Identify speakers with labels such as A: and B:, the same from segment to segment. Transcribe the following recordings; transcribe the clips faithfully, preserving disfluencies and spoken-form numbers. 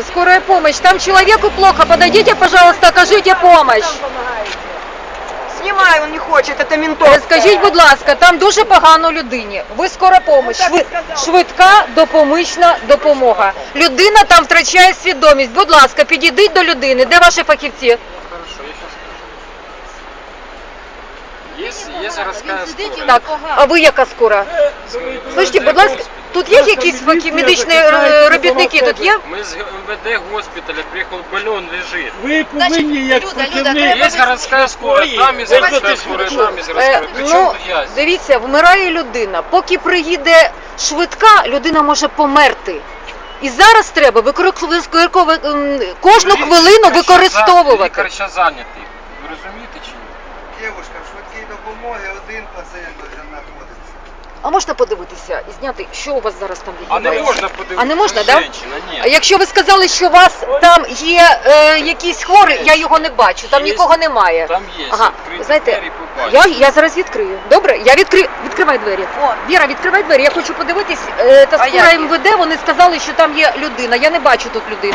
A: скорая помощь. Там человеку плохо. Подойдите, пожалуйста, окажите помощь.
B: Знімай, він не хоче, це ментовська.
A: Скажіть, будь ласка, там дуже погано людині. Ви скора помощь, шви... швидка допомічна допомога. Людина там втрачає свідомість. Будь ласка, підійдіть до людини. Де ваші фахівці?
C: Хорошо, я сейчас скажу. Є, є городська скора.
A: Так, а ви яка скора? Слухайте, будь ласка, тут є якісь фахів... медичні е, робітники? Тут є?
C: Ми з МВД госпіталя, приїхав, больон лежить.
D: Ви повинні, як працівник...
C: Є городська скора, там із городська скора, там із городська.
A: Е,
C: При
A: ну,
C: чому я?
A: дивіться, вмирає людина. Поки приїде швидка, людина може померти. І зараз треба використовувати кожну хвилину використовувати.
C: Лікар ще зайнятий. Ви розумієте чи ні?
E: Дівушка, в швидкій допомоги один пацієнт вже знаходиться.
A: А можна подивитися і зняти, що у вас зараз там
C: А не
A: відбувається?
C: можна подивитися.
A: А не можна,
C: да?
A: да?
C: Женщина, ні.
A: А якщо ви сказали, що у вас там є е, якийсь хворий, я його не бачу, там
C: Є.
A: нікого немає.
C: Там є.
A: Ага,
C: Відкриті
A: знаєте,
C: двері, побачите.
A: я, я зараз відкрию. Добре? Я відкрию. Відкривай двері.
B: О.
A: Віра, відкривай двері. Я хочу подивитись. Е, та
B: А
A: скоро
B: як?
A: МВД, вони сказали, що там є людина. Я не бачу тут людини.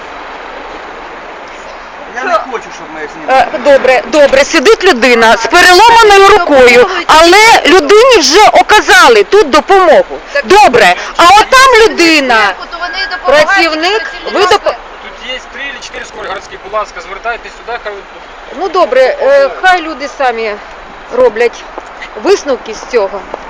E: Я не хочу, щоб ми знімали.
A: Е, добре, добре, сидить людина з переломаною рукою, але людині вже оказали тут допомогу. Добре, а отам людина, працівник, ви доп...
C: Тут є три чи чотири скорі городські, будь ласка, звертайтесь сюди, хай...
A: Ну добре, е, хай люди самі роблять висновки з цього.